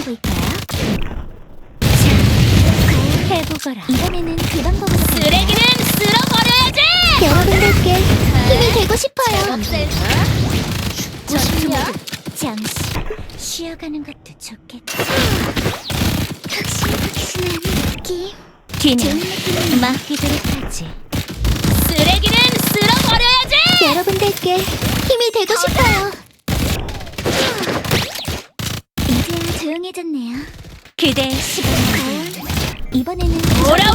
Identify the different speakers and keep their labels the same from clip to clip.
Speaker 1: 볼까요? 자, 해보거라. 이번에는 그 방법으로
Speaker 2: 쓰레기는 쓸어버려야지!
Speaker 1: 여러분들께 힘이 되고 싶어요.
Speaker 2: 보십니까?
Speaker 1: 잠시 쉬어가는 것도 좋겠다. 확신한 느낌. 뒤는 맡기도록 하지.
Speaker 2: 쓰레기는 쓸어버려야지!
Speaker 1: 여러분들께 힘이 되고 싶어요. 이제야 조용해졌네요. 그대의 시간 과연 이번에는
Speaker 2: 오라!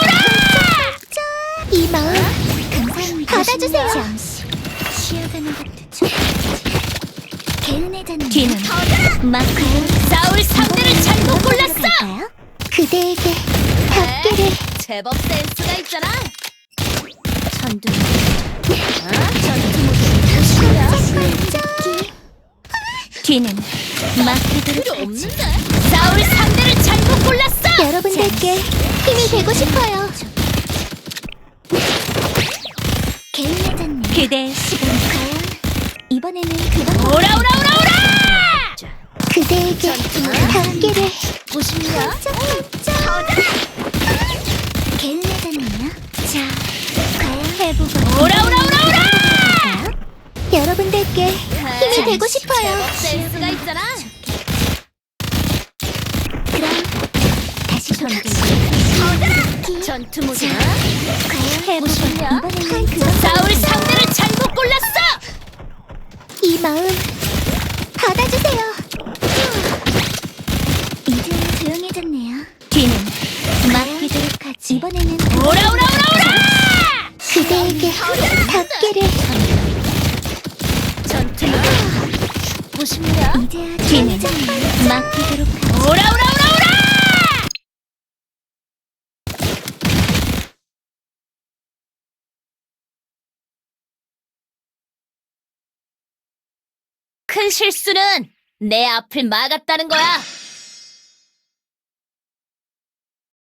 Speaker 1: 이 마음 감사합니다. 받아주세요. 잠시 쉬어가는 것도 좋겠지. 개운해졌네요. 뒤는 마크로
Speaker 2: 싸울 상대를 잘못 골랐어!
Speaker 1: 갈까요? 그대에게 닿기를.
Speaker 2: 제법 센스가 있잖아!
Speaker 1: 전두 뒤는 맡기도록
Speaker 2: 필요
Speaker 1: 하지.
Speaker 2: 없는데? 싸울 상대를 잘못 골랐어!
Speaker 1: 여러분들께 힘이 되고 싶어요. 개운해졌네. 그대의 시간 과연 이번에는 그 방법.
Speaker 2: 오라!
Speaker 1: 그대에게 닿기를.
Speaker 2: 보십니까?
Speaker 1: 개운해졌네요. 자, 과연 해보고.
Speaker 2: 오라!
Speaker 1: 여러분들께 힘이 되고 싶어요.
Speaker 2: 제법 센스가 있잖아!
Speaker 1: 그럼 다시
Speaker 2: 전투 모드
Speaker 1: 과연 해보고.
Speaker 2: 보시냐?
Speaker 1: 이번에는 그
Speaker 2: 싸울 상대를 잘못 골랐어!
Speaker 1: 이 마음 받아주세요. 이제 조용해졌네요. 뒤는 맡기도록 하지. 이번에는
Speaker 2: 오라!
Speaker 1: 그대에게 닿기를.
Speaker 2: 전투 모드 보십니까?
Speaker 1: 이제야 뒤는 맡기도록 하지.
Speaker 2: 오라! 큰 실수는 내 앞을 막았다는 거야!